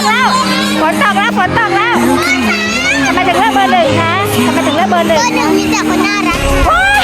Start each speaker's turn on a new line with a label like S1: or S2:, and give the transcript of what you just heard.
S1: แล้วฝนตกแล้วฝนตกแล้วทำไมถึงเลือกเบอร์หนึ่งคะทำไมถึงเลือกเบอร์หนึ่ง
S2: เบอร์หนึ่งมีแต่คนน่ารัก
S1: ว้า